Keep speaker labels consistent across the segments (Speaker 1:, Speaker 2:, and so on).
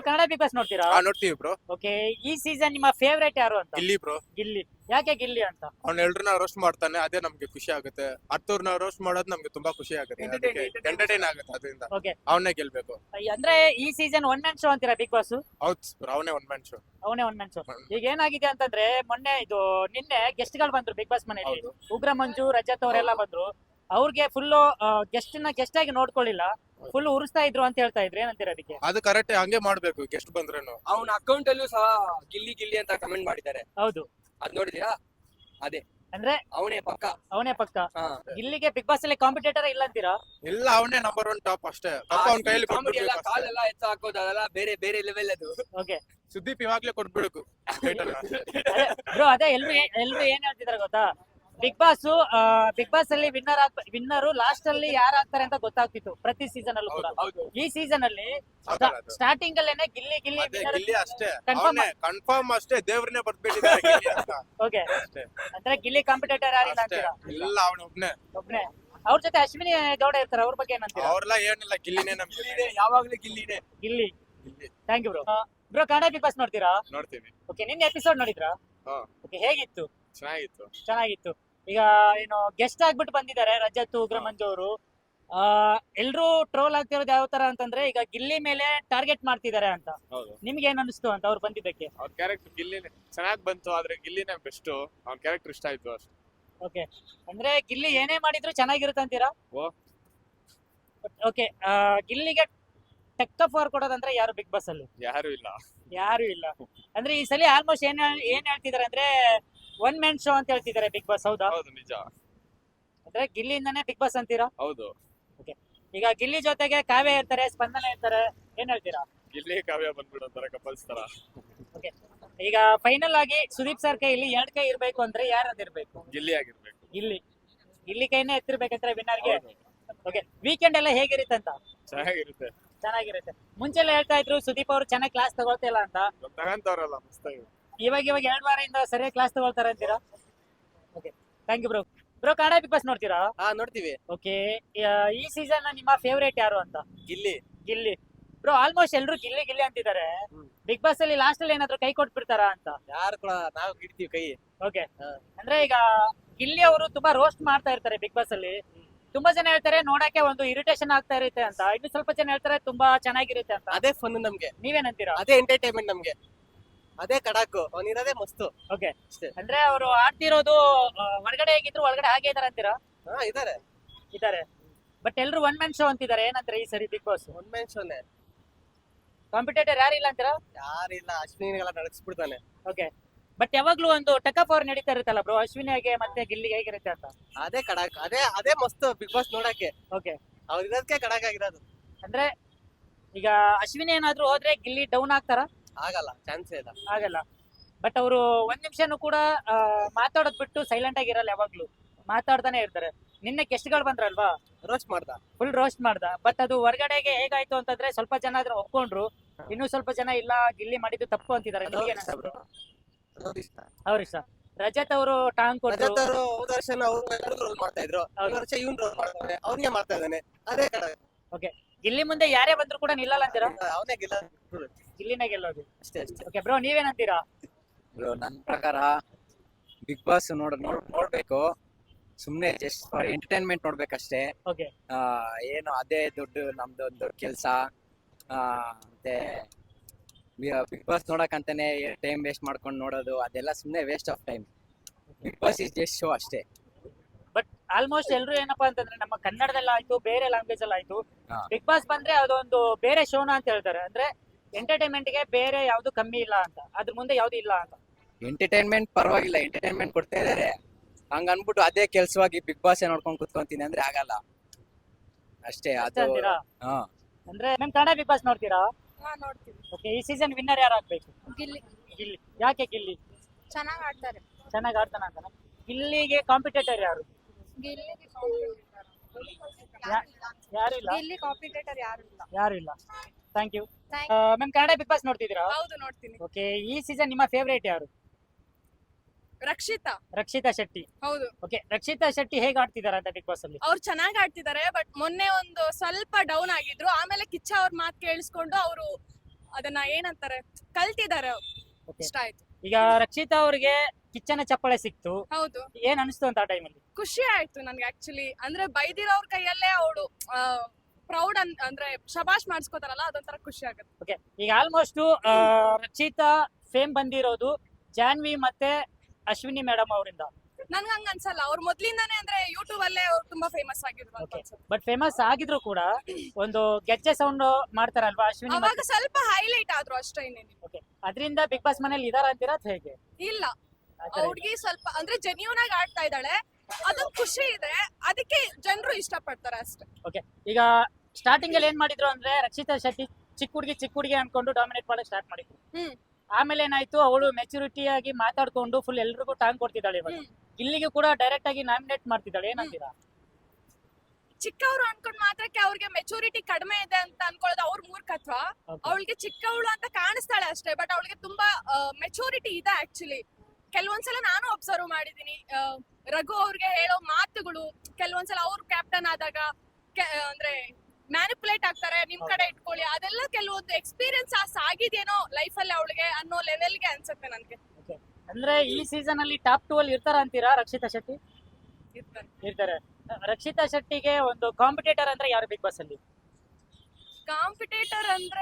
Speaker 1: Kannada big boss ನೋಡ್ತೀರಾ?
Speaker 2: ನೋಡ್ತೀವಿ bro.
Speaker 1: Okay, ಈ ಸೀಸನ್ ನಿಮ್ಮ ಫೇವರೇಟ್ ಯಾರು ಅಂತ?
Speaker 2: ಗಿಲ್ಲಿ ಬ್ರೋ.
Speaker 1: ಗಿಲ್ಲಿ. ಯಾಕೆ ಗಿಲ್ಲಿ ಅಂತ?
Speaker 2: ಅವ್ನ ಎಲ್ರನ್ನ ರೋಸ್ಟ್ ಮಾಡ್ತಾನೆ, ಅದೇ ನಮ್ಗೆ ಖುಷಿ ಆಗುತ್ತೆ. ಹತ್ತೂರ್ನ ರೋಸ್ಟ್ ಮಾಡೋದು ನಮ್ಗೆ ತುಂಬಾ ಖುಷಿ ಆಗುತ್ತೆ, ಎಂಟರ್ಟೈನ್ ಆಗುತ್ತೆ. ಅದರಿಂದ
Speaker 1: ಓಕೆ,
Speaker 2: ಅವನ್ನೇ ಗೆಲ್ಬೇಕು.
Speaker 1: ಅಂದ್ರೆ ಈ ಸೀಸನ್ ಒನ್ ಮ್ಯಾನ್ ಶೋ ಅಂತೀರಾ ಬಿಗ್ ಬಾಸ್?
Speaker 2: ಹೌದ್ ಬ್ರೋ, ಅವನೇ ಒನ್ ಮ್ಯಾನ್ ಶೋ.
Speaker 1: ಅವನೇ ಒನ್ ಮ್ಯಾನ್ ಶೋ. ಈಗ ಏನಾಗಿದೆ ಅಂತಂದ್ರೆ, ನಿನ್ನೆ ಗೆಸ್ಟ್ ಗಳು ಬಂದ್ರು ಬಿಗ್ ಬಾಸ್ ಮನೆಯಲ್ಲಿ.
Speaker 2: ಹೌದು.
Speaker 1: ಉಗ್ರ ಮಂಜು, ರಜತ್ ಅವರೆಲ್ಲ ಬಂದ್ರು. ಅವ್ರಿಗೆ ಫುಲ್ ಗೆಸ್ಟ್ ಆಗಿ ನೋಡ್ಕೊಳ್ಳಿಲ್ಲ, ಫುಲ್ ಉರಿಸ್ತಾ ಇದ್ರು ಅಂತ ಹೇಳ್ತಾ ಇದ್ರು. ಏನಂತೀರ ಅದಕ್ಕೆ?
Speaker 2: ಅದು ಕರೆಕ್ಟ್, ಹಂಗೆ ಮಾಡ್ಬೇಕು ಗೆಸ್ಟ್ ಬಂದ್ರೇನು.
Speaker 3: ಅವನ ಅಕೌಂಟ್ ಅಲ್ಲೂ ಸಹ ಗಿಲ್ಲಿ ಗಿಲ್ಲಿ ಅಂತ ಕಮೆಂಟ್ ಮಾಡಿದ್ದಾರೆ.
Speaker 1: ಹೌದು,
Speaker 3: ಅದ್ ನೋಡಿದ್ಯಾ? ಅದೇ
Speaker 1: ಅಂದ್ರೆ
Speaker 3: ಅವನೇ ಪಕ್ಕ.
Speaker 1: ಅವನೇ ಪಕ್ಕ.
Speaker 3: ಹಾ.
Speaker 1: ಗಿಲ್ಲಿಗೆ ಬಿಗ್ ಬಾಸ್ ಅಲ್ಲಿ ಕಾಂಪಿಟೇಟರ್ ಇಲ್ಲ ಅಂತೀರಾ?
Speaker 2: ಇಲ್ಲ, ಅವನೇ ನಂಬರ್ 1 ಟಾಪ್ ಅಷ್ಟೇ. ಅವ್ನ ಕೈಯಲ್ಲಿ
Speaker 3: ಕಾಮಿಡಿ ಎಲ್ಲ
Speaker 2: ಕೊಟ್ಬಿಡ್ಬೇಕು ಅಷ್ಟೇ.
Speaker 3: ಕಾಲೆಲ್ಲ ಎತ್ತ ಹಾಕೋದು ಅದೆಲ್ಲ ಬೇರೆ ಬೇರೆ ಲೆವೆಲ್ ಅದು.
Speaker 1: ಓಕೆ
Speaker 2: ಸುದೀಪ್ ಇವಾಗ್ಲೇ ಕೊಟ್ಬಿಡಕು.
Speaker 1: ಬ್ರೋ, ಅದೇ ಎಲ್ರು ಏನ್ ಹೇಳ್ತಿದಾರೆ ಗೊತ್ತಾ? ಬಿಗ್ ಬಾಸ್ ಅಲ್ಲಿ ವಿನ್ನರ್ ಲಾಸ್ಟ್ ಅಲ್ಲಿ ಯಾರು ಆಗ್ತಾರೆ ಅಂತ ಗೊತ್ತಾಗ್ತಿತ್ತು ಪ್ರತಿ ಸೀಸನ್ ಅಲ್ಲೂ ಕೂಡ.
Speaker 3: ಹೌದು.
Speaker 1: ಈ ಸೀಸನ್ ಅಲ್ಲಿ ಸ್ಟಾರ್ಟಿಂಗ್ ಅಲ್ಲೇನೆ ಗಿಲ್ಲಿ ಗಿಲ್ಲಿ
Speaker 2: ಗಿಲ್ಲಿ ಅಷ್ಟೇ,
Speaker 1: Confirm.
Speaker 2: ಅವನೇ ಕನ್ಫರ್ಮ್ ಅಷ್ಟೇ. ದೇವ್ರನ್ನೇ ಬರ್ದ್ಬಿಟ್ಟಿದ್ದಾರೆ ಗಿಲ್ಲಿ ಅಂತ.
Speaker 1: ಓಕೆ,
Speaker 2: ಅಷ್ಟೇ
Speaker 1: ಅಂದ್ರೆ ಗಿಲ್ಲಿ ಕಾಂಪಿಟೇಟರ್ ಯಾರಿಲ್ಲ
Speaker 2: ಅಷ್ಟೇ.
Speaker 1: ಅಂತೀರಾ?
Speaker 2: ಇಲ್ಲ, ಅವನ ಒಬ್ನೇ.
Speaker 1: ಒಬ್ನೇ. ಅವ್ರ ಜೊತೆ ಅಶ್ವಿನಿ ಗೌಡ ಇರ್ತಾರೆ, ಅವ್ರ ಬಗ್ಗೆ ಏನಂತೀರಾ?
Speaker 2: ಅವ್ರೆಲ್ಲ ಏನಿಲ್ಲ, ಗಿಲ್ಲಿನೇ ನಮ್ಗೆ.
Speaker 3: ಗಿಲ್ಲಿನೇ, ಯಾವಾಗ್ಲೂ ಗಿಲ್ಲಿನೇ.
Speaker 1: Gilli.
Speaker 2: Gilli.
Speaker 1: Thank you bro. Bro, Kannada big boss ನೋಡ್ತೀರಾ?
Speaker 2: ನೋಡ್ತೀವಿ.
Speaker 1: ಓಕೆ, ನಿನ್ನೆ ಎಪಿಸೋಡ್ ನೋಡಿದ್ರಾ?
Speaker 2: ಹಾ,
Speaker 1: ಓಕೆ, ಹೇಗಿತ್ತು?
Speaker 2: ಚೆನ್ನಾಗಿತ್ತು.
Speaker 1: ಚೆನ್ನಾಗಿತ್ತು. ಈಗ ಏನು ಗೆಸ್ಟ್ ಆಗ್ಬಿಟ್ಟು ಬಂದಿದ್ದಾರೆ ರಜತ್, ಉಗ್ರ ಮಂಜು ಅವರು. ಎಲ್ರು ಟ್ರೋಲ್ ಆಗ್ತಿರೋದು ಯಾವ ತರ ಅಂತಂದ್ರೆ, ಈಗ ಗಿಲ್ಲಿ ಮೇಲೆ ಟಾರ್ಗೆಟ್ ಮಾಡ್ತಿದ್ದಾರೆ ಅಂತ.
Speaker 2: ಹೌದು,
Speaker 1: ನಿಮ್ಗೆ ಏನ್ ಅನಿಸ್ತು ಅಂತ ಅವ್ರು ಬಂದಿದ್ದಕ್ಕೆ?
Speaker 2: ಅವ್ರ ಕ್ಯಾರೆಕ್ಟರ್ ಗಿಲ್ಲಿನೇ ಚೆನ್ನಾಗ್ ಬಂತು, ಆದ್ರೆ ಗಿಲ್ಲಿನೇ ಬೆಸ್ಟ್. ಅವ್ನ ಕ್ಯಾರೆಕ್ಟರ್ ಇಷ್ಟ ಆಯ್ತು ಅಷ್ಟೇ.
Speaker 1: ಓಕೆ, ಅಂದ್ರೆ ಗಿಲ್ಲಿ ಏನೇ ಮಾಡಿದ್ರು ಚೆನ್ನಾಗಿರುತ್ತೆ ಅಂತೀರಾ?
Speaker 2: ಓ.
Speaker 1: ಓಕೆ, ಗಿಲ್ಲಿಗೆ ಟೆಕ್ ಫಾರ್ ಕೊಡೋದಂದ್ರೆ ಯಾರು ಬಿಗ್ ಬಾಸ್ ಅಲ್ಲಿ?
Speaker 2: ಯಾರು ಇಲ್ಲ.
Speaker 1: ಯಾರು ಇಲ್ಲ. ಅಂದ್ರೆ ಈ ಸಲ ಆಲ್ಮೋಸ್ಟ್ ಏನ್ ಹೇಳ್ತಿದಾರೆ ಅಂದ್ರೆ, ಒನ್ ಮ್ಯಾನ್ ಶೋ ಅಂತ ಹೇಳ್ತಿದ್ದಾರೆ ಬಿಗ್ ಬಾಸ್. ಹೌದಾ?
Speaker 2: ಹೌದು, ನಿಜ.
Speaker 1: ಅಂದ್ರೆ ಗಿಲ್ಲಿಯಿಂದಾನೇ ಬಿಗ್ ಬಾಸ್ ಅಂತೀರಾ?
Speaker 2: ಹೌದು.
Speaker 1: ಈಗ ಗಿಲ್ಲಿ ಜೊತೆಗೆ ಕಾವ್ಯ ಇರ್ತಾರೆ, ಸ್ಪಂದನ ಇರ್ತಾರೆ, ಏನ್ ಹೇಳ್ತೀರಾ?
Speaker 2: ಗಿಲ್ಲಿ ಕಾವ್ಯ ಬಂದ್ಬಿಡೋಂತಾರ ಕಪಲ್ಸ್ ತರ.
Speaker 1: ಓಕೆ, ಈಗ ಫೈನಲ್ ಆಗಿ ಸುದೀಪ್ ಸರ್ ಕೈಯಲ್ಲಿ 2 ಕೈ ಇರ್ಬೇಕು ಅಂದ್ರೆ ಯಾರದ್ ಇರ್ಬೇಕು?
Speaker 2: ಗಿಲ್ಲಿ ಆಗಿರ್ಬೇಕು.
Speaker 1: ಗಿಲ್ಲಿ ಕೈನೇ ಎತ್ತಿರ್ಬೇಕಂದ್ರೆ ವಿನ್ನರ್ಗೆ.
Speaker 2: ಹೌದು.
Speaker 1: ಓಕೆ, ವೀಕೆಂಡ್ ಎಲ್ಲ ಹೇಗಿರುತ್ತೆ ಅಂತ?
Speaker 2: ಚೆನ್ನಾಗಿರುತ್ತೆ.
Speaker 1: ಚೆನ್ನಾಗಿರುತ್ತೆ. ಮುಂಚೆಲ್ಲ ಹೇಳ್ತಾ ಇದ್ರು ಸುದೀಪ್ ಅವರು ಚೆನ್ನಾಗಿ ಕ್ಲಾಸ್ ತಗೊಳ್ತಿಲ್ಲ ಅಂತ.
Speaker 2: ತಗಂತವ್ರಲ್ಲ ಮಸ್ತಾಗಿ.
Speaker 1: ಇವಾಗ 2 ವಾರದಿಂದ ಸರಿಯಾಗಿ ಕ್ಲಾಸ್ ತಗೊಳ್ತಾರೆ ಅಂತೀರಾ? Okay, thank you bro. Bro, Kannada big boss ನೋಡ್ತೀರಾ?
Speaker 3: ಹಾ, ನೋಡ್ತೀವಿ.
Speaker 1: ಓಕೆ, ಈ ಸೀಸನ್ ನಿಮ್ಮ ಫೇವರೇಟ್ ಯಾರು ಅಂತ?
Speaker 3: ಗಿಲ್ಲಿ.
Speaker 1: ಗಿಲ್ಲಿ. ಬ್ರೋ, ಆಲ್ಮೋಸ್ಟ್ ಎಲ್ರು ಗಿಲ್ಲಿ ಗಿಲ್ಲಿ ಅಂತಿದ್ದಾರೆ. ಬಿಗ್ ಬಾಸ್ ಅಲ್ಲಿ ಲಾಸ್ಟ್ ಅಲ್ಲಿ ಏನಾದ್ರು ಕೈ ಕೊಟ್ಬಿಡ್ತಾರಾ ಅಂತ?
Speaker 3: ಯಾರು ಕೂಡ ನಾವು ಹಿಡ್ತೀವಿ ಕೈ.
Speaker 1: ಓಕೆ,
Speaker 3: ಹಾ.
Speaker 1: ಅಂದ್ರೆ ಈಗ ಗಿಲ್ಲಿ ಅವರು ತುಂಬಾ ರೋಸ್ಟ್ ಮಾಡ್ತಾ ಇರ್ತಾರೆ ಬಿಗ್ ಬಾಸ್ ಅಲ್ಲಿ. ತುಂಬಾ ಜನ ಹೇಳ್ತಾರೆ ನೋಡಕ್ಕೆ ಒಂದು ಇರಿಟೇಷನ್ ಆಗ್ತಾ ಇರುತ್ತೆ ಅಂತ, ಇನ್ನು ಸ್ವಲ್ಪ ಜನ ಹೇಳ್ತಾರೆ ತುಂಬಾ ಚೆನ್ನಾಗಿರುತ್ತೆ ಅಂತ.
Speaker 3: ಅದೇ ಫನ್ ನಮ್ಗೆ,
Speaker 1: ನೀವೇನಂತೀರಾ?
Speaker 3: ಅದೇ ಎಂಟರ್ಟೈನ್ಮೆಂಟ್ ನಮ್ಗೆ, ಅದೇ ಕಡಾಕು. ಅವನಿರೋದೇ ಮಸ್ತು.
Speaker 1: ಓಕೆ,
Speaker 3: ಅಷ್ಟೇ.
Speaker 1: ಅಂದ್ರೆ ಅವರು ಆಡ್ತಿರೋದು ಹೊರಗಡೆ ಹೇಗಿದ್ರು ಒಳಗಡೆ ಹಾಗೆ ಇದಾರೆ ಅಂತೀರಾ?
Speaker 3: ಹಾ, ಇದಾರೆ.
Speaker 1: ಇದಾರೆ. ಬಟ್ ಎಲ್ರು ಒನ್ ಮ್ಯಾನ್ ಶೋ ಅಂತಿದ್ದಾರೆ. ಏನಂತಾರೆ ಈ ಸರಿ ಬಿಗ್ ಬಾಸ್?
Speaker 3: ಒನ್ ಮ್ಯಾನ್ ಶೋನೆ.
Speaker 1: ಕಾಂಪಿಟೇಟರ್ ಯಾರಿಲ್ಲ ಅಂತೀರಾ?
Speaker 3: ಯಾರಿಲ್ಲ, ಅಶ್ವಿನಿಗೆಲ್ಲ ನಡಗಿಸ್ಬಿಡ್ತಾನೆ.
Speaker 1: ಓಕೆ, ಬಟ್ ಯಾವಾಗ್ಲೂ ಒಂದು ಟಕ್ ಆಫ್ ನಡೀತಾ ಇರುತ್ತಲ್ಲ ಬ್ರೋ, ಅಶ್ವಿನಿಗೆ ಮತ್ತೆ ಗಿಲ್ಲಿಗೆ ಹೇಗಿರುತ್ತೆ ಅಂತ?
Speaker 3: ಅದೇ ಕಡಾಕ್, ಅದೇ ಮಸ್ತು ಬಿಗ್ ಬಾಸ್ ನೋಡಕ್ಕೆ.
Speaker 1: ಓಕೆ,
Speaker 3: ಅವ್ರಿರೋದಕ್ಕೆ ಕಡಾಕ್ ಆಗಿರೋದು.
Speaker 1: ಅಂದ್ರೆ ಈಗ ಅಶ್ವಿನಿ ಏನಾದ್ರು ಹೋದ್ರೆ ಗಿಲ್ಲಿ ಡೌನ್ ಆಗ್ತಾರ?
Speaker 3: ಆಗಲ್ಲ, ಚಾನ್ಸೇ ಇಲ್ಲ.
Speaker 1: ಆಗಲ್ಲ. ಬಟ್ ಅವರು ಒಂದ್ ನಿಮಿಷನೂ ಕೂಡ ಮಾತಾಡೋದ್ ಬಿಟ್ಟು ಸೈಲೆಂಟ್ ಆಗಿರಲ್ಲ, ಯಾವಾಗ್ಲೂ ಮಾತಾಡ್ತಾನೆ ಇರ್ತಾರೆ. ನಿನ್ನೆ ಗೆಸ್ಟ್ಗಳು ಬಂದ್ರಲ್ವಾ,
Speaker 3: ರೋಸ್ಟ್ ಮಾಡ್ದ.
Speaker 1: ಫುಲ್ ರೋಸ್ಟ್ ಮಾಡ್ದ. ಬಟ್ ಅದು ಹೊರಗಡೆಗೆ ಹೇಗಾಯ್ತು ಅಂತಂದ್ರೆ, ಸ್ವಲ್ಪ ಜನ ಆದ್ರೆ ಒಪ್ಕೊಂಡ್ರು, ಇನ್ನು ಸ್ವಲ್ಪ ಜನ ಇಲ್ಲ ಗಿಲ್ಲಿ ಮಾಡಿದ್ದು ತಪ್ಪು ಅಂತಿದ್ದಾರೆ. ನಿಮ್ಗೆ ಏನ್ ಅನ್ಸುತ್ತೆ? ಅವ್ರ ಇಷ್ಟ. ರಜತ್ ಅವರು ಟಾಂಗ್ ಕೊಟ್ರು.
Speaker 3: ರಜತ್ ಅವರು ಹೋದ ವರ್ಷ ರೋಲ್ ಮಾಡ್ತಾ ಇದ್ರು, ಈ ವರ್ಷ ಇವ್ನ್ ರೋಲ್ ಮಾಡ್ತಾನೆ, ಅವ್ನಿಗೆ ಮಾಡ್ತಾ ಇದ್ದಾನೆ. ಅದೇ ಕಡಾಕ್.
Speaker 1: ಓಕೆ, ಗಿಲ್ಲಿ ಮುಂದೆ ಯಾರೇ ಬಂದ್ರು ಕೂಡ ನಿಲ್ಲಲ್ಲ ಅಂತೀರಾ?
Speaker 3: ಅವನೇ ಗೆಲ್ಲ,
Speaker 1: ಗಿಲ್ಲಿನೇ ಗೆಲ್ಲೋದು.
Speaker 3: ಅಷ್ಟೇ ಅಷ್ಟೇ.
Speaker 1: Okay bro, ನೀವೇನಂತೀರಾ?
Speaker 4: ಬ್ರೋ, ನನ್ನ ಪ್ರಕಾರ ಬಿಗ್ ಬಾಸ್ ನೋಡ್ಬೇಕು, ಸುಮ್ನೆ ಜಸ್ಟ್ ಫಾರ್ ಎಂಟರ್ಟೈನ್ಮೆಂಟ್ ನೋಡ್ಬೇಕಷ್ಟೇ.
Speaker 1: ಓಕೆ,
Speaker 4: ಏನು ಅದೇ ನಮ್ದು ಒಂದು ಕೆಲಸ. ಮತ್ತೆ ಬಿಗ್ ಬಾಸ್ ನೋಡಕ್ಕಂತಾನೆ ಟೈಮ್ ವೇಸ್ಟ್ ಮಾಡ್ಕೊಂಡು ನೋಡೋದು, ಅದೆಲ್ಲ ಸುಮ್ನೆ waste of time. Big boss is just show ಅಷ್ಟೇ.
Speaker 1: ಬಟ್ ಆಲ್ಮೋಸ್ಟ್ ಎಲ್ರು ಏನಪ್ಪಾ ಅಂತಂದ್ರೆ, ನಮ್ಮ ಕನ್ನಡದಲ್ಲಿ ಆಯ್ತು, ಬೇರೆ ಲ್ಯಾಂಗ್ವೇಜ್ ಅಲ್ಲಿ ಆಯ್ತು,
Speaker 4: ಹಾ.
Speaker 1: ಬಿಗ್ ಬಾಸ್ ಬಂದ್ರೆ ಅದೊಂದು ಬೇರೆ ಶೋನ ಅಂತ ಹೇಳ್ತಾರೆ. ಅಂದ್ರೆ ಎಂಟರ್ಟೈನ್ಮೆಂಟ್ ಗೆ ಬೇರೆ ಯಾವ್ದು ಕಮ್ಮಿ ಇಲ್ಲ ಅಂತ, ಅದ್ರ ಮುಂದೆ ಯಾವ್ದು ಇಲ್ಲ ಅಂತ.
Speaker 4: ಎಂಟರ್ಟೈನ್ಮೆಂಟ್ ಪರವಾಗಿಲ್ಲ, ಎಂಟರ್ಟೈನ್ಮೆಂಟ್ ಕೊಡ್ತಾ ಇದಾರೆ. ಹಂಗ ಅನ್ಬಿಟ್ಟು ಅದೇ ಕೆಲ್ಸವಾಗಿ ಬಿಗ್ ಬಾಸ್ ನೋಡ್ಕೊಂಡು ಕುತ್ಕೊಂತೀನಿ ಅಂದ್ರೆ ಆಗಲ್ಲ ಅಷ್ಟೇ.
Speaker 1: ಅಷ್ಟೇ
Speaker 4: ಅದು
Speaker 1: ಅಂತೀರಾ?
Speaker 4: ಹಾ.
Speaker 1: ಅಂದ್ರೆ ನಮ್ ಕನ್ನಡ ಬಿಗ್ ಬಾಸ್ ನೋಡ್ತೀರಾ?
Speaker 5: ಹಾ, ನೋಡ್ತೀವಿ.
Speaker 1: ಓಕೆ, ಈ ಸೀಸನ್ ವಿನ್ನರ್ ಯಾರು ಆಗ್ಬೇಕು?
Speaker 5: ಗಿಲ್ಲಿ
Speaker 1: ಗಿಲ್ಲಿ. ಯಾಕೆ ಗಿಲ್ಲಿ
Speaker 5: ಚೆನ್ನಾಗ್ ಆಡ್ತಾರೆ.
Speaker 1: ಚೆನ್ನಾಗಿ ಆಡ್ತಾನ ಅಂತ? ಗಿಲ್ಲಿಗೆ ಕಾಂಪಿಟೇಟರ್ ಯಾರು?
Speaker 5: ಗಿಲ್ಲಿಗೆ
Speaker 1: ಯಾರು ಇಲ್ಲ.
Speaker 5: ಗಿಲ್ಲಿ ಕಾಂಪಿಟೇಟರ್ ಯಾರು ಇಲ್ಲ.
Speaker 1: ಯಾರು ಇಲ್ಲ. Thank you.
Speaker 5: Thank
Speaker 1: ma'am, Kannada big boss ನೋಡ್ತಿದ್ದೀರಾ?
Speaker 5: ಹೌದು, ನೋಡ್ತೀನಿ.
Speaker 1: ಓಕೆ, ಈ ಸೀಸನ್ ನಿಮ್ಮ ಫೇವರೇಟ್ ಯಾರು?
Speaker 5: ರಕ್ಷಿತಾ.
Speaker 1: ರಕ್ಷಿತಾ ಶೆಟ್ಟಿ.
Speaker 5: ಹೌದು,
Speaker 1: ಓಕೆ, ರಕ್ಷಿತಾ ಶೆಟ್ಟಿ ಹೇಗೆ ಆಡ್ತಿದ್ದಾರೆ ಅಂತ ಬಿಗ್ ಬಾಸ್ ಅಲ್ಲಿ?
Speaker 5: ಅವ್ರು ಚೆನ್ನಾಗ್ ಆಡ್ತಿದ್ದಾರೆ. ಬಟ್ ಮೊನ್ನೆ ಒಂದು ಸ್ವಲ್ಪ ಡೌನ್ ಆಗಿದ್ರು, ಆಮೇಲೆ ಕಿಚ್ಚ ಅವ್ರ ಮಾತು ಕೇಳಿಸ್ಕೊಂಡು ಅವರು
Speaker 6: ಅದನ್ನ ಏನಂತಾರೆ ಕಲ್ತಿದ್ದಾರೆ ಅವ್ರು.
Speaker 1: Okay.
Speaker 6: ಇಷ್ಟ ಆಯ್ತು.
Speaker 1: ಈಗ ರಕ್ಷಿತಾ ಅವ್ರಿಗೆ ಕಿಚ್ಚನ ಚಪ್ಪಳೆ ಸಿಕ್ತು,
Speaker 6: ಹೌದು,
Speaker 1: ಏನ್ ಅನಿಸ್ತು ಅಂತ ಆ ಟೈಮಲ್ಲಿ?
Speaker 6: ಖುಷಿ ಆಯ್ತು ನನ್ಗೆ ಆಕ್ಚುಲಿ. ಅಂದ್ರೆ ಬೈದಿರೋರ್ ಕೈಯಲ್ಲೇ ಅವಳು ಪ್ರೌಡ್ ಅಂದ್ರೆ ಶಬಾಷ್ ಮಾಡಿಸ್ಕೋತಾರಲ್ಲ, ಅದೊಂಥರ ಖುಷಿ ಆಗುತ್ತೆ.
Speaker 1: ಓಕೆ, ಈಗ ಆಲ್ಮೋಸ್ಟ್ ರಕ್ಷಿತಾ ಫೇಮ್ ಬಂದಿರೋದು ಜಾನ್ವಿ ಮತ್ತೆ ಅಶ್ವಿನಿ ಮೇಡಮ್ ಅವರಿಂದ.
Speaker 6: ನನ್ಗೆ ಹಂಗ ಅನ್ಸಲ್ಲ, ಅವ್ರು ಮೊದ್ಲಿಂದಾನೇ ಅಂದ್ರೆ ಯೂಟ್ಯೂಬ್ ಅಲ್ಲೇ ಅವ್ರು ತುಂಬಾ ಫೇಮಸ್ ಆಗಿದ್ರು ಅಂತ
Speaker 1: Okay.
Speaker 6: ಅನ್ಸುತ್ತೆ.
Speaker 1: ಬಟ್ ಫೇಮಸ್ ಆಗಿದ್ರು ಕೂಡ ಒಂದು ಗೆಜ್ಜೆ ಸೌಂಡ್ ಮಾಡ್ತಾರಲ್ವಾ ಅಶ್ವಿನಿ
Speaker 6: ಅವಾಗ ಸ್ವಲ್ಪ ಹೈಲೈಟ್ ಆದ್ರು ಅಷ್ಟೇ, ಇನ್ನೇನಿಲ್ಲ.
Speaker 1: ಅದರಿಂದ ಬಿಗ್ ಬಾಸ್ ಮನೇಲಿ ಇದಾರ ಅಂತೀರಾ ಅಥವಾ ಹೇಗೆ?
Speaker 6: ಇಲ್ಲ,
Speaker 1: ಆ ಥರ ಇದೆ.
Speaker 6: ಅವ್ರಿಗೆ ಸ್ವಲ್ಪ ಅಂದ್ರೆ ಜೆನ್ಯೂನ್ ಆಗಿ ಆಡ್ತಾ ಇದ್ದಾಳೆ, ಅದೊಂದು ಖುಷಿ ಇದೆ, ಅದಕ್ಕೆ ಜನರು ಇಷ್ಟಪಡ್ತಾರೆ ಅಷ್ಟೇ.
Speaker 1: ಈಗ ಸ್ಟಾರ್ಟಿಂಗ್ ಅಲ್ಲಿ ಏನ್ ಮಾಡಿದ್ರು ಅಂದ್ರೆ ರಕ್ಷಿತಾ ಶೆಟ್ಟಿ ಚಿಕ್ಕ ಹುಡುಗಿ ಅನ್ಕೊಂಡು ಡಾಮಿನೇಟ್ ಮಾಡಕ್ ಸ್ಟಾರ್ಟ್ ಮಾಡಿದ್ರು.
Speaker 6: ಹ್ಮ್.
Speaker 1: ಆಮೇಲೆ ಏನಾಯ್ತು, ಅವಳು ಮೆಚುರಿಟಿ ಆಗಿ ಮಾತಾಡ್ಕೊಂಡು ಫುಲ್ ಎಲ್ರಿಗೂ ಟಾಂಗ್ ಕೊಡ್ತಿದ್ದಾಳೆ. ಇವಾಗ
Speaker 6: ಹ್ಮ್.
Speaker 1: ಇಲ್ಲಿಗೆ ಕೂಡ ಡೈರೆಕ್ಟ್ ಆಗಿ ನಾಮಿನೇಟ್ ಮಾಡ್ತಿದ್ದಾಳೆ, ಏನಂತೀರಾ?
Speaker 6: ಚಿಕ್ಕವ್ರು ಅನ್ಕೊಂಡ್ ಮಾತ್ರಕ್ಕೆ ಅವ್ರಿಗೆ ಮೆಚುರಿಟಿ ಕಡಿಮೆ ಇದೆ ಅಂತ ಅನ್ಕೊಳ್ಳೋದು ಅವ್ರ ಮೂರ್ಖತ್ವ.
Speaker 1: Okay.
Speaker 6: ಅವಳಿಗೆ ಚಿಕ್ಕವಳು ಅಂತ ಕಾಣಿಸ್ತಾಳೆ ಅಷ್ಟೇ, ಬಟ್ ಅವಳಿಗೆ ತುಂಬಾ ಮೆಚೂರಿಟಿ ಇದೆ ಆಕ್ಚುಲಿ. ಕೆಲವೊಂದ್ಸಲ ನಾನು ಅಬ್ಸರ್ವ್ ಮಾಡಿದೀನಿ, ರಘು ಅವ್ರಿಗೆ ಹೇಳೋ ಮಾತುಗಳು ಕೆಲವೊಂದ್ಸಲ ಅವ್ರು ಕ್ಯಾಪ್ಟನ್ ಆದಾಗ ಅಂದ್ರೆ ಮ್ಯಾನಿಪುಲೇಟ್ ಆಗ್ತಾರೆ, ನಿಮ್ ಕಡೆ ಇಟ್ಕೊಳ್ಳಿ, ಅದೆಲ್ಲ ಕೆಲವೊಂದು ಎಕ್ಸ್ಪೀರಿಯನ್ಸ್ ಆಗಿದೇನೋ ಲೈಫ್ ಅಲ್ಲಿ ಅವಳಿಗೆ ಅನ್ನೋ ಲೆವೆಲ್ಗೆ ಅನ್ಸುತ್ತೆ ನನ್ಗೆ.
Speaker 1: ಅಂದ್ರೆ ಈ ಸೀಸನ್ ಅಲ್ಲಿ ಟಾಪ್ 2 ಅಲ್ಲಿ ಇರ್ತಾರ ಅಂತೀರಾ ರಕ್ಷಿತಾ ಶೆಟ್ಟಿ?
Speaker 6: ಇರ್ತಾರೆ.
Speaker 1: ಇರ್ತಾರೆ. ರಕ್ಷಿತಾ ಶೆಟ್ಟಿಗೆ ಒಂದು ಕಾಂಪಿಟೇಟರ್ ಅಂದ್ರೆ ಯಾರು ಬಿಗ್ ಬಾಸ್ ಅಲ್ಲಿ?
Speaker 6: ಕಾಂಪಿಟೇಟರ್ ಅಂದ್ರೆ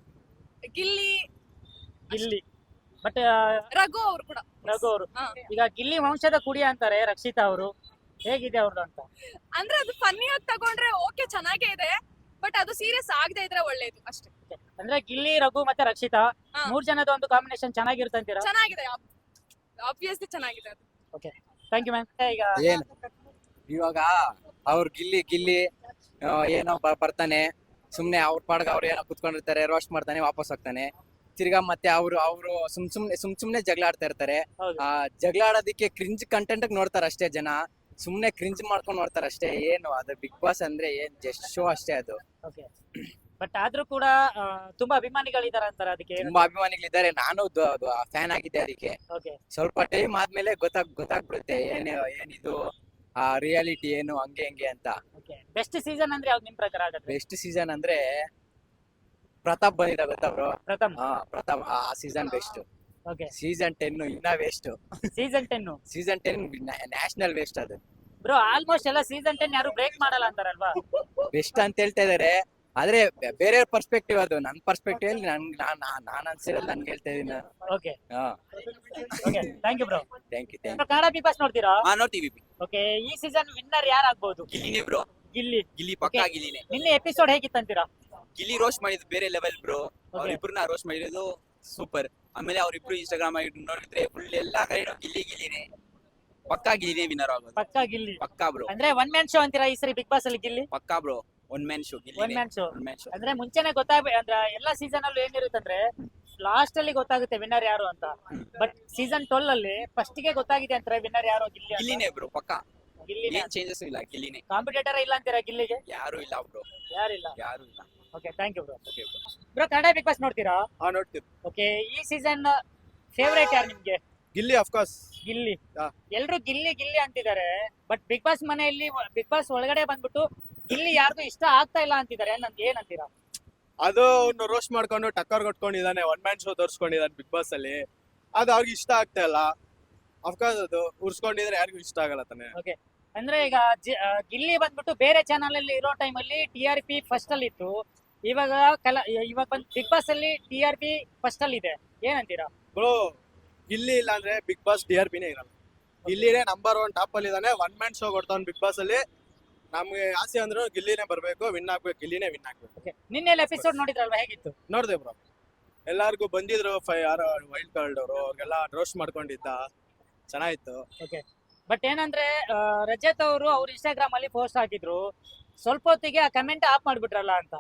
Speaker 6: ಗಿಲ್ಲಿ,
Speaker 1: ಗಿಲ್ಲಿ. ಬಟ್
Speaker 6: ರಘು ಅವ್ರು ಕೂಡ.
Speaker 1: ರಘು ಅವರು
Speaker 6: ಹಾ.
Speaker 1: ಈಗ ಗಿಲ್ಲಿ ವಂಶದ ಕುಡಿ ಅಂತಾರೆ ರಕ್ಷಿತಾ ಅವರು, ಹೇಗಿದೆ ಅವ್ರದ್ದು ಅಂತ?
Speaker 6: ಅಂದ್ರೆ ಅದು ಫನ್ನಿ ಆಗಿ ತಗೊಂಡ್ರೆ ಓಕೆ, ಚೆನ್ನಾಗೇ ಇದೆ, ಬಟ್ ಅದು ಸೀರಿಯಸ್ ಆಗದೆ ಇದ್ರೆ ಒಳ್ಳೇದು ಅಷ್ಟೇ.
Speaker 1: ಅಂದ್ರೆ ಗಿಲ್ಲಿ, ರಘು ಮತ್ತೆ ರಕ್ಷಿತಾ
Speaker 6: ಹಾ.
Speaker 1: 3 ಜನದ ಒಂದು ಕಾಂಬಿನೇಷನ್ ಚೆನ್ನಾಗಿರುತ್ತೆ ಅಂತೀರಾ?
Speaker 6: ಚೆನ್ನಾಗಿದೆ, ಆಬ್ವಿಯಸ್ಲಿ ಚೆನ್ನಾಗಿದೆ ಅದು.
Speaker 1: Thank you ma'am. ಈಗ
Speaker 4: ಏನ್ ಇವಾಗ ಅವ್ರು ಗಿಲ್ಲಿ ಏನೋ ಬರ್ತಾನೆ, ಸುಮ್ನೆ ಅವ್ರ ಪಾಡ್ಗ ಅವ್ರು ಏನೋ ಕುತ್ಕೊಂಡಿರ್ತಾರೆ, ರೋಸ್ಟ್ ಮಾಡ್ತಾನೆ, ವಾಪಸ್ ಹೋಗ್ತಾನೆ. ತಿರ್ಗಾ ಮತ್ತೆ ಅವ್ರು ಸುಮ್ನೆ ಜಗಳ ಆಡ್ತಾ ಇರ್ತಾರೆ.
Speaker 1: ಹೌದು.
Speaker 4: ಆ ಜಗಳ ಆಡೋದಿಕ್ಕೆ ಕ್ರಿಂಜ್ ಕಂಟೆಂಟ್ ನೋಡ್ತಾರ ಅಷ್ಟೇ ಜನ, ಸುಮ್ನೆ ಕ್ರಿಂಜ್ ಮಾಡ್ಕೊಂಡು ನೋಡ್ತಾರ ಅಷ್ಟೇ. ಏನು ಅದು ಬಿಗ್ ಬಾಸ್ ಅಂದ್ರೆ ಏನ್ ಜಸ್ಟ್ ಶೋ ಅಷ್ಟೇ ಅದು.
Speaker 1: ಓಕೆ, ಬಟ್ ಆದ್ರೂ ಕೂಡ ತುಂಬಾ ಅಭಿಮಾನಿಗಳಿದಾರ ಅಂತಾರೆ, ಅದಕ್ಕೆ ಏನು?
Speaker 4: ತುಂಬಾ ಅಭಿಮಾನಿಗಳಿದ್ದಾರೆ, ನಾನು ಫ್ಯಾನ್ ಆಗಿದ್ದೆ ಅದಕ್ಕೆ.
Speaker 1: ಓಕೆ,
Speaker 4: ಸ್ವಲ್ಪ ಟೈಮ್ ಆದ್ಮೇಲೆ ಗೊತ್ತಾಗ್ಬಿಡುತ್ತೆ ಏನಿದು ಆ ರಿಯಾಲಿಟಿ ಏನು ಹಂಗೆ ಅಂತ.
Speaker 1: ಓಕೆ. ಬೆಸ್ಟ್ ಸೀಸನ್ ಅಂದ್ರೆ ಯಾವ್ದು ನಿಮ್ ಪ್ರಕಾರ ಆಗತ್ತೆ?
Speaker 4: ಬೆಸ್ಟ್ ಸೀಸನ್ ಅಂದ್ರೆ ಪ್ರತಾಪ್ ಬಂದಿದ್ದ, ಗೊತ್ತಾ ಬ್ರೋ?
Speaker 1: ಪ್ರಥಮ್.
Speaker 4: ಪ್ರತಾಪ್ ಆ ಸೀಸನ್ ಬೆಸ್ಟ್.
Speaker 1: ಓಕೆ,
Speaker 4: ಸೀಸನ್ 10 ಇನ್ನ waste.
Speaker 1: Season 10.
Speaker 4: Season 10 national waste ಅದು.
Speaker 1: ಬ್ರೋ ಆಲ್ಮೋಸ್ಟ್ ಎಲ್ಲ ಸೀಸನ್ 10 ಯಾರು ಬ್ರೇಕ್ ಮಾಡಲ್ಲ ಅಂತಾರಲ್ವಾ?
Speaker 4: ಬೆಸ್ಟ್ ಅಂತ ಹೇಳ್ತಾ ಇದಾರೆ, ಆದ್ರೆ ಬೇರೆ ಪರ್ಸ್ಪೆಕ್ಟಿವ್ ಅದು. ನನ್ ಪರ್ಸ್ಪೆಕ್ಟಿವ್ ಅಲ್ಲಿ ನಾನ್ ಅನ್ಸಿರೋದು ನನ್ಗೆ ಹೇಳ್ತಾ ಇದೀನಿ.
Speaker 1: Okay, okay, thank you bro.
Speaker 4: Thank you.
Speaker 1: Kannada big boss ನೋಡ್ತೀರಾ?
Speaker 7: ನೋಡ್ತೀವಿ.
Speaker 1: ಓಕೆ, ಈ ಸೀಸನ್ ವಿನ್ನರ್ ಯಾರು ಆಗ್ಬಹುದು?
Speaker 7: ಗಿಲ್ಲಿನೇ ಬ್ರೋ,
Speaker 1: ಗಿಲ್ಲಿ.
Speaker 7: ಗಿಲ್ಲಿ ಪಕ್ಕಾ
Speaker 1: Okay.
Speaker 7: ಗಿಲ್ಲಿನೇ.
Speaker 1: ನಿನ್ನೆ ಎಪಿಸೋಡ್ ಹೇಗಿತ್ತಂತೀರಾ?
Speaker 7: ಗಿಲ್ಲಿ ರೋಸ್ಟ್ ಮಾಡಿದ್ದು ಬೇರೆ ಲೆವೆಲ್ ಬ್ರೋ. ಅವ್ರಿಬ್ರನ್ನ ರೋಸ್ಟ್ ಮಾಡಿರೋದು ಸೂಪರ್. ಆಮೇಲೆ ಅವ್ರಿಬ್ರು ಇನ್ಸ್ಟಾಗ್ರಾಮ್ ಆಗಿ ನೋಡಿದ್ರೆ ಫುಲ್ ಎಲ್ಲಾ ಕಡೆ ಗಿಲ್ಲಿನೇ. ಪಕ್ಕಾ ಗಿಲ್ಲಿನೇ ವಿನ್ನರ್ ಆಗೋದು.
Speaker 1: ಪಕ್ಕಾ ಗಿಲ್ಲಿ.
Speaker 7: ಪಕ್ಕಾ ಬ್ರೋ,
Speaker 1: ಅಂದ್ರೆ 1 ಮ್ಯಾನ್ ಶೋ ಅಂತೀರಾ ಈ ಸರಿ ಬಿಗ್ ಬಾಸ್ ಅಲ್ಲಿ ಗಿಲ್ಲಿ?
Speaker 7: ಪಕ್ಕಾ bro. One man show
Speaker 1: 1 man show.
Speaker 7: One man show.
Speaker 1: ಅಂದ್ರೆ ಮುಂಚೆನೆ ಅಂದ್ರೆ ಎಲ್ಲಾ ಸೀಸನ್ ಅಲ್ಲೂ ಏನಿರುತ್ತಂದ್ರೆ ಲಾಸ್ಟ್ ಅಲ್ಲಿ ಗೊತ್ತಾಗುತ್ತೆ ವಿನ್ನರ್ ಯಾರು ಅಂತ. ಬಟ್ ಸೀಸನ್ 12 ಅಲ್ಲಿ ಫಸ್ಟ್ ಗೆ ಗೊತ್ತಾಗಿದೆ ಅಂತಾರೆ ವಿನ್ನರ್ ಯಾರು, ಗಿಲ್ಲಿ.
Speaker 7: ಗಿಲ್ಲಿನೇ ಬ್ರೋ, ಪಕ್ಕಾ.
Speaker 1: ಗಿಲ್ಲಿನೇ.
Speaker 7: ಏನ್ ಚೇಂಜಸ್ ಇಲ್ಲ, ಗಿಲ್ಲಿನೇ.
Speaker 1: ಕಾಂಪಿಟೇಟರ್ ಇಲ್ಲ ಅಂತೀರಾ ಗಿಲ್ಲಿಗೆ?
Speaker 7: ಯಾರು ಇಲ್ಲ ಬ್ರೋ,
Speaker 1: ಯಾರಿಲ್ಲ.
Speaker 7: ಯಾರು ಇಲ್ಲ.
Speaker 1: Okay, thank you bro.
Speaker 7: Okay bro.
Speaker 1: Bro Kannada big boss ನೋಡ್ತೀರಾ?
Speaker 2: ನೋಡ್ತೀವಿ.
Speaker 1: ಓಕೆ, ಈ ಸೀಸನ್ ಫೇವರೇಟ್ ಯಾರು ನಿಮ್ಗೆ?
Speaker 2: ಗಿಲ್ಲಿ ಅಫ್ಕೋರ್ಸ್.
Speaker 1: ಗಿಲ್ಲಿ.
Speaker 2: ಹಾ.
Speaker 1: ಎಲ್ರು ಗಿಲ್ಲಿ ಅಂತಿದ್ದಾರೆ, ಬಟ್ ಬಿಗ್ ಬಾಸ್ ಮನೆಯಲ್ಲಿ ಬಿಗ್ ಬಾಸ್ ಒಳಗಡೆ ಬಂದ್ಬಿಟ್ಟು ಗಿಲ್ಲಿ ಯಾರಿಗೂ ಇಷ್ಟ ಆಗ್ತಾ ಇಲ್ಲ ಅಂತಿದ್ದಾರೆ, ಏನಂತೀರಾ?
Speaker 2: ಅದು ಅವ್ನು ರೋಸ್ಟ್ ಮಾಡ್ಕೊಂಡು ಟಕ್ಕರ್ ಕೊಟ್ಕೊಂಡಿದ್ದಾನೆ, 1 ಮ್ಯಾನ್ ಶೋ ತೋರ್ಸ್ಕೊಂಡಿದ್ದಾನೆ ಬಿಗ್ ಬಾಸ್ ಅಲ್ಲಿ. ಅದು ಅವ್ರಿಗೆ ಇಷ್ಟ ಆಗ್ತಾ ಇಲ್ಲ. ಅಫ್ಕೋರ್ಸ್ ಅದು ಉರ್ಸ್ಕೊಂಡಿದ್ರೆ ಯಾರಿಗೂ ಇಷ್ಟ ಆಗಲ್ಲ ತಾನೆ.
Speaker 1: ಅಂದ್ರೆ ಈಗ ಗಿಲ್ಲಿ ಬಂದ್ಬಿಟ್ಟು ಬೇರೆ ಚಾನಲ್ ಅಲ್ಲಿ ಇರೋ ಟೈಮ್ ಅಲ್ಲಿ TRP ಫಸ್ಟ್ ಅಲ್ಲಿ ಇತ್ತು, ಇವಾಗ ಬಂದ್ ಬಿಗ್ ಬಾಸ್ ಅಲ್ಲಿ TRP ಫಸ್ಟ್ ಅಲ್ಲಿ ಇದೆ, ಏನಂತೀರಾ?
Speaker 2: ಬ್ರೋ ಗಿಲ್ಲಿ ಇಲ್ಲ ಅಂದ್ರೆ ಬಿಗ್ ಬಾಸ್ TRPನೇ ಇರಲ್ಲ. ಗಿಲ್ಲಿನೇ ನಂಬರ್ 1 ಟಾಪ್ ಅಲ್ಲಿ ಇದಾನೆ. 1 ಮ್ಯಾನ್ ಶೋ ಕೊಡ್ತಾವ್ ಬಿಗ್ ಬಾಸ್ ಅಲ್ಲಿ. ನಮ್ಗೆ ಆಸೆ ಅಂದ್ರು ಗಿಲ್ಲಿನೇ ಬರ್ಬೇಕು, ವಿನ್ ಆಗ್ಬೇಕು, ಗಿಲ್ಲಿನೇ ವಿನ್ ಆಗ್ಬೇಕು.
Speaker 1: ಓಕೆ, ನಿನ್ನೆ ಎಪಿಸೋಡ್ ನೋಡಿದ್ರಲ್ವಾ, ಹೇಗಿತ್ತು?
Speaker 2: ನೋಡ್ದೆ ಬ್ರೋ, ಎಲ್ಲಾರ್ಗು ಬಂದಿದ್ರು ಯಾರು ವೈಲ್ಡ್ ಕಾರ್ಡ್ ಅವರು, ಅವ್ರಿಗೆಲ್ಲ ರೋಸ್ಟ್ ಮಾಡ್ಕೊಂಡಿದ್ದ, ಚೆನ್ನಾಗಿತ್ತು.
Speaker 1: ಬಟ್ ಏನಂದ್ರೆ ರಜತ್ ಅವರು ಅವ್ರ ಇನ್ಸ್ಟಾಗ್ರಾಮ್ ಅಲ್ಲಿ ಪೋಸ್ಟ್ ಹಾಕಿದ್ರು, ಸ್ವಲ್ಪ ಹೊತ್ತಿಗೆ ಆ ಕಮೆಂಟ್ ಆಫ್ ಮಾಡ್ಬಿಟ್ರಲ್ಲ ಅಂತ.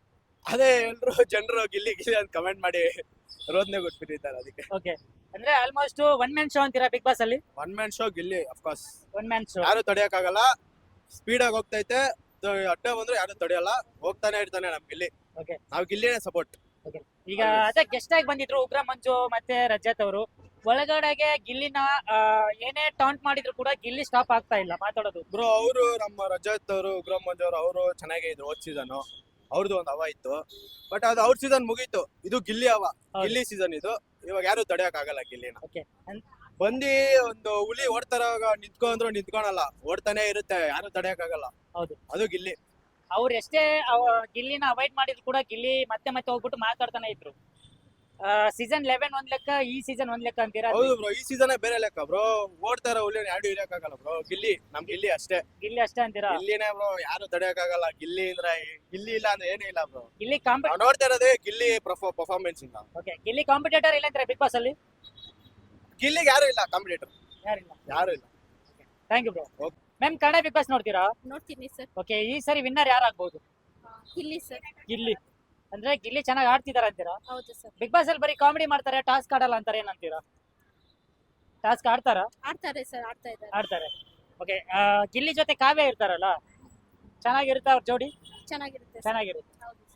Speaker 2: ಅದೇ ಎಲ್ರು ಜನರು ಗಿಲ್ಲಿ ಅಂತ ಕಮೆಂಟ್ ಮಾಡಿ ರೋದನೆ ಕೊಟ್ಬಿಟ್ಟಿದ್ದಾರೆ ಅದಕ್ಕೆ.
Speaker 1: ಓಕೆ, ಅಂದ್ರೆ ಆಲ್ಮೋಸ್ಟ್ 1 ಮ್ಯಾನ್ ಶೋ ಅಂತೀರಾ ಬಿಗ್ ಬಾಸ್ ಅಲ್ಲಿ?
Speaker 2: 1 man show Gilli of course.
Speaker 1: 1 man show
Speaker 2: ಯಾರು ತಡೆಯಕ್ಕಾಗಲ್ಲ, ಸ್ಪೀಡ್ ಆಗಿ ಹೋಗ್ತೈತೆ, ಅಡ್ಡ ಬಂದ್ರು ಯಾರು ತಡೆಯಲ್ಲ, ಹೋಗ್ತಾನೆ ಇರ್ತಾನೆ ನಮ್ ಗಿಲ್ಲಿ.
Speaker 1: Okay.
Speaker 2: ನಾವು ಗಿಲ್ಲಿನೇ ಸಪೋರ್ಟ್.
Speaker 1: ಈಗ ಅದೇ ಗೆಸ್ಟ್ ಆಗಿ ಬಂದಿದ್ರು ಉಗ್ರ ಮಂಜು ಮತ್ತೆ ರಜತ್ ಅವರು, ಒಳಗಡೆಗೆ ಗಿಲ್ಲಿನ ಏನೇ ಟಾಂಟ್ ಮಾಡಿದ್ರು ಕೂಡ ಗಿಲ್ಲಿ ಸ್ಟಾಪ್ ಆಗ್ತಾ ಇಲ್ಲ ಮಾತಾಡೋದು.
Speaker 2: ಬ್ರೋ ಅವರು ನಮ್ಮ ರಜತ್ ಅವರು, ಉಗ್ರಂ ಮಂಜು ಅವರು ಚೆನ್ನಾಗೇ ಇದ್ರು ಹೋದ್ ಸೀಸನ್. ಅವ್ರದ್ದು ಒಂದು ಹವಾ ಇತ್ತು. ಬಟ್ ಅದು ಅವ್ರ ಸೀಸನ್ ಮುಗೀತು. ಇದು ಗಿಲ್ಲಿ ಹವಾ,
Speaker 1: ಹೌದು.
Speaker 2: ಗಿಲ್ಲಿ ಸೀಸನ್ ಇದು. ಇವಾಗ ಯಾರು ತಡೆಯಕ್ ಆಗಲ್ಲ ಗಿಲ್ಲಿನ.
Speaker 1: ಓಕೆ
Speaker 2: ಬಂದಿ ಒಂದು ಹುಲಿ ಓಡ್ತಾರಾಗ ನಿಂತ್ಕೊಂಡ್ರು ನಿಂತ್ಕೊಳಲ್ಲ, ಓಡ್ತಾನೆ ಇರುತ್ತೆ, ಯಾರು ತಡೆಯಕ್ ಆಗಲ್ಲ.
Speaker 1: ಹೌದು.
Speaker 2: ಅದು ಗಿಲ್ಲಿ.
Speaker 1: ಅವ್ರು ಎಷ್ಟೇ ಗಿಲ್ಲಿನ ಅವಾಯ್ಡ್ ಮಾಡಿದ್ರು ಕೂಡ ಗಿಲ್ಲಿ ಮತ್ತೆ ಮತ್ತೆ ಹೋಗ್ಬಿಟ್ಟು ಮಾತಾಡ್ತಾನೆ ಇದ್ರು. ಸೀಸನ್ 11 ಒಂದ್ ಲೆಕ್ಕ, ಈ ಸೀಸನ್ ಒಂದ್ ಲೆಕ್ಕ ಅಂತೀರಾ?
Speaker 2: ಹೌದು ಬ್ರೋ, ಈ ಸೀಸನ್ ಬೇರೆ ಲೆಕ್ಕ ಬ್ರೋ. ಓಡ್ತಾರ ಹುಲಿ ಯಾರು ಇರಕ್ ಆಗಲ್ಲ ಬ್ರೋ. ಗಿಲ್ಲಿ, ನಮ್ ಗಿಲ್ಲಿ ಅಷ್ಟೇ.
Speaker 1: ಗಿಲ್ಲಿ ಅಷ್ಟೇ ಅಂತೀರಾ?
Speaker 2: ಗಿಲ್ಲಿನೇ ಬ್ರೋ, ಯಾರು ತಡೆಯಕ್ ಆಗಲ್ಲ. ಗಿಲ್ಲಿ ಅಂದ್ರೆ ಗಿಲ್ಲಿ ಇಲ್ಲ ಅಂದ್ರೆ ಏನೂ ಇಲ್ಲ ಬ್ರೋ.
Speaker 1: ಗಿಲ್ಲಿ
Speaker 2: ನಾವ್ ನೋಡ್ತಾ ಇರೋದೇ ಗಿಲ್ಲಿ ಪರ್ಫಾರ್ಮೆನ್ಸ್ ಇಂದ.
Speaker 1: ಓಕೆ, ಗಿಲ್ಲಿ ಕಾಂಪಿಟೇಟರ್ ಇಲ್ಲ ಅಂತಾರೆ ಬಿಗ್ ಬಾಸ್ ಅಲ್ಲಿ?
Speaker 2: ಗಿಲ್ಲಿಗೆ ಯಾರು ಇಲ್ಲ ಕಾಂಪಿಟೇಟರ್,
Speaker 1: ಯಾರಿಲ್ಲ.
Speaker 2: ಯಾರು ಇಲ್ಲ.
Speaker 1: Thank you bro.
Speaker 2: Okay.
Speaker 1: Ma'am, Kannada big boss ನೋಡ್ತೀರಾ?
Speaker 6: ನೋಡ್ತೀನಿ ಸರ್.
Speaker 1: ಓಕೆ, ಈ ಸರಿ ವಿನ್ನರ್ ಯಾರಾಗ್ಬೋದು?
Speaker 6: ಇಲ್ಲಿ ಸರ್.
Speaker 1: ಗಿಲ್ಲಿ ಅಂದ್ರೆ ಗಿಲ್ಲಿ ಚೆನ್ನಾಗಿ ಆಡ್ತಿದಾರ ಅಂತೀರಾ?
Speaker 6: ಹೌದು ಸರ್.
Speaker 1: ಬಿಗ್ ಬಾಸ್ ಅಲ್ಲಿ ಬರೀ ಕಾಮಿಡಿ ಮಾಡ್ತಾರೆ, ಟಾಸ್ಕ್ ಆಡಲ್ಲ ಅಂತಾರೆ, ಏನಂತೀರಾ? ಟಾಸ್ಕ್ ಆಡ್ತಾರಾ?
Speaker 6: ಆಡ್ತಾರೆ ಸರ್, ಆಡ್ತಾ ಇದ್ದಾರೆ.
Speaker 1: ಆಡ್ತಾರೆ. ಓಕೆ, ಗಿಲ್ಲಿ ಜೊತೆ ಕಾವ್ಯ ಇರ್ತಾರಲ್ಲ, ಚೆನ್ನಾಗಿರುತ್ತೆ ಅವ್ರ ಜೋಡಿ?
Speaker 6: ಚೆನ್ನಾಗಿರುತ್ತೆ.
Speaker 1: ಚೆನ್ನಾಗಿರುತ್ತೆ.
Speaker 6: ಹೌದು.